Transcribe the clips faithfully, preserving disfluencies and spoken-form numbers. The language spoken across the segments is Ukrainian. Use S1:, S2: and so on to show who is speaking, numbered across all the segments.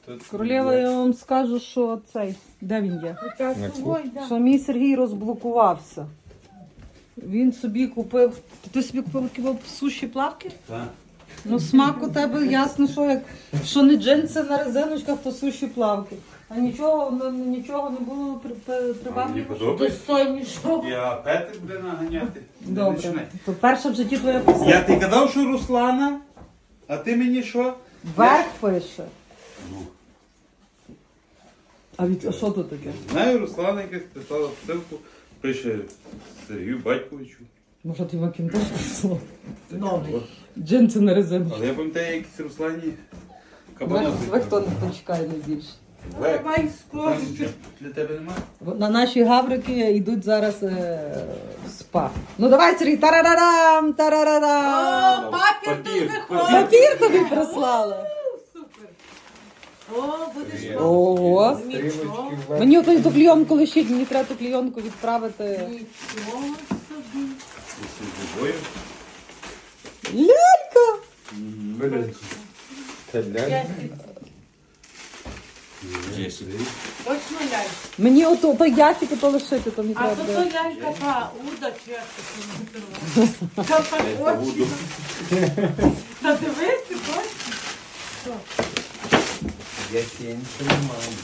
S1: Королева, я вам скажу, що цей, де він є?
S2: На кухні.
S1: Що мій Сергій розблокувався. Він собі купив. Ти собі купив такі суші плавки?
S2: Так.
S1: Ну смак у тебе ясно, що як що не джинси на резиночках, то суші плавки. А нічого, ну, нічого не було при, при,
S2: Мені
S1: прибавлено.
S2: подобається.
S3: Достойнішого.
S2: Я Петр буде наганяти. Не
S1: Добре.
S2: починай.
S1: То перше в житті твоя писання.
S2: Я ти казав, що Руслана, а ти мені що?
S1: Верх пише.
S2: Ну,
S1: А від а що тут таке?
S2: знаю, Руслана якась писала посилку, пише Сергію Батьковичу.
S1: Може ти макінтош пішло?
S3: Новий.
S2: От.
S1: Джинси на резиночку.
S2: Але я пам'ятаю, якісь Руслані
S1: Ви,
S2: кабанок.
S1: ви хто не чекає найбільше?
S2: Лек.
S3: Давай
S2: Там
S3: скоро.
S2: нічого для тебе немає?
S1: На наші гаврики йдуть зараз е, в спа. Ну давай, Сергій, тарарарам, тарарарам.
S3: О, папір
S2: Папір,
S3: тут
S2: папір.
S3: виходить.
S1: Папір тобі прислали.
S3: Супер. О, будеш
S1: Ого.
S3: Нічого.
S1: Мені ото ту клійонку лишіть, мені треба ту клійонку відправити.
S3: Нічого собі.
S2: З собою.
S1: Лялька!
S2: Це
S3: Ясі. Точно лялька.
S1: Мені ото то ящик ото лишити, то мені
S3: А
S1: треба.
S3: то то лялька та уда чи як це називається. Та так очі. Та дивись, ти точно.
S4: Я ще нічого не маю.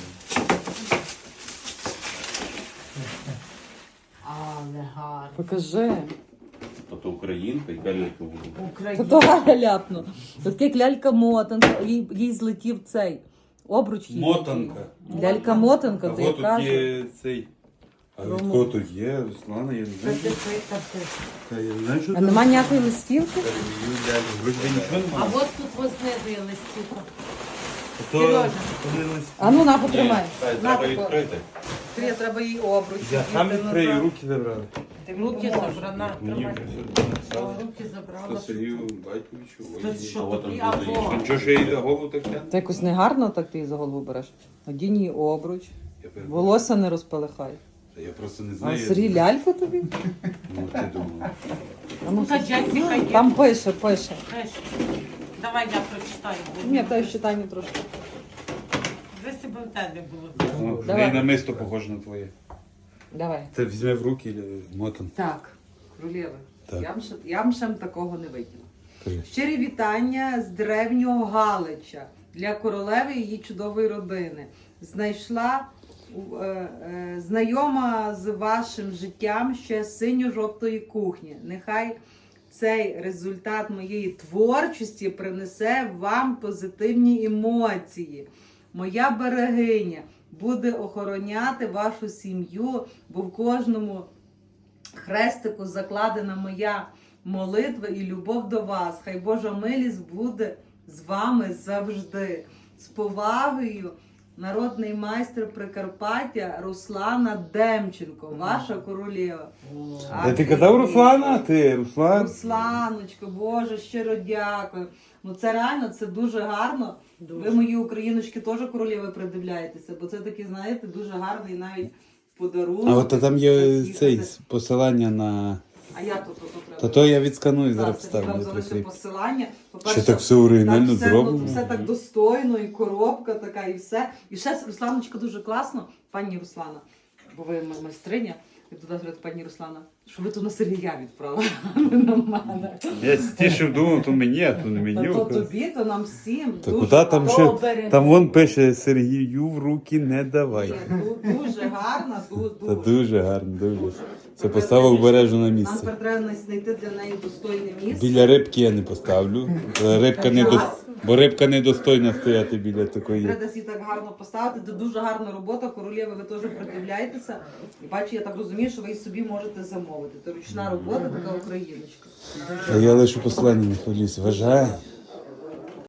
S3: Але гарно.
S1: Покажи.
S2: Ото українка і каліка буде.
S1: Та
S3: Україна.
S1: то Галя ляпну. Тут як лялька-мотанка, їй, їй злетів цей обруч. їй.
S2: Мотанка.
S1: Лялька-мотанка,
S2: А
S1: то я
S2: от тут
S1: кажу.
S2: є цей. А від кого тут є? Руслана, я не
S3: Та
S2: знаю.
S3: ти ти, та ти.
S2: Та я не знаю, що
S1: А
S2: там.
S1: нема ніякої листівки?
S2: Сергію, дядю, вроді нічого
S3: А
S2: немає.
S3: от тут вознизує листівка.
S2: То-
S3: Сережа.
S2: то не лист-
S1: А ну на, потримай.
S2: Ні, та,
S1: На,
S2: треба
S1: тако.
S2: відкрити.
S1: Скоріше, треба їй обруч.
S2: Я сам
S1: Їй
S2: відкрию,
S1: назад.
S2: руки забрали.
S3: Руки забрана.
S2: Мені
S3: Тримай.
S2: вже все написали.
S3: Руки забрала.
S2: Що Сергію Батьковичу,
S3: Та
S2: ой,
S3: що
S2: а от
S3: тобі?
S2: там
S3: Або-
S2: буде. Нічого, що я їй за голову так тягну?
S1: Це якось негарно, так ти її за голову береш. Одінь їй обруч.
S2: Я перепрошую.
S1: Волосся не розпалихай.
S2: Та Я просто не
S1: А
S2: знаю.
S1: Сергій ляльку тобі?
S2: Ну, ти думав.
S1: А ну,
S3: Ну, та Джесіка є.
S1: там пише, пише.
S3: Знаєш, давай я прочитаю.
S1: Ні, та й читання трошки.
S3: Ви себе в тебе було.
S2: Ну, в
S1: Давай.
S2: неї намисто похоже на твоє.
S1: Давай.
S2: Це візьме в руки і мотан.
S1: Так, королеви,
S2: Так.
S1: я б ще- я б ще такого не виділа.
S2: Кажи.
S1: Щирі вітання з древнього Галича для королеви і її чудової родини. Знайшла е, е, знайома з вашим життям ще з синьо-жовтої кухні. Нехай цей результат моєї творчості принесе вам позитивні емоції. Моя берегиня буде охороняти вашу сім'ю, бо в кожному хрестику закладена моя молитва і любов до вас. Хай Божа милість буде з вами завжди. З повагою, народний майстер Прикарпаття Руслана Демченко, ваша королева. А
S2: Де ти казав Руслана? Ти, Руслан?
S1: Русланочко, Боже, щиро дякую. Ну це реально, це дуже гарно. Ви мої україночки теж королеви придивляєтеся, бо це такий, знаєте, дуже гарний навіть подарунок.
S2: А от там є
S1: Приїхати.
S2: цей посилання на...
S1: А я тут, тут треба.
S2: Та то я відсканую, зараз
S1: Так, Сергій вам
S2: вставлю.
S1: залишив
S2: прикріп.
S1: посилання.
S2: Ще так все оригінально
S1: так все,
S2: зроблено.
S1: ну, все так достойно, і коробка така, і все. І ще Русланочка дуже класно, пані Руслана, бо ви ма- майстриня. І туди говорить, пані Руслана, що ви тут на Сергія відправили, а не на мене.
S2: Я стішив думав, то мені, а то не мені.
S1: Та то тобі, то нам всім.
S2: Та
S1: дуже
S2: куди там ще?
S3: Добре.
S2: Там вон пише Сергію в руки не давай.
S1: Ні, ду- Дуже гарна, ду-
S2: Це
S1: дуже.
S2: дуже гарно, дуже. Це поставив обережно на
S1: Нам
S2: місце.
S1: тепер треба знайти для неї достойне місце.
S2: Біля рибки я не поставлю. Рибка не до... Бо рибка недостойна стояти біля такої.
S1: Треба десь її так гарно поставити. Це дуже гарна робота. Королєви, ви теж придивляєтеся. І бачу, я так розумію, що ви її собі можете замовити. Це ручна робота, така україночка.
S2: А я лише посилання не хвилююсь. Вважай.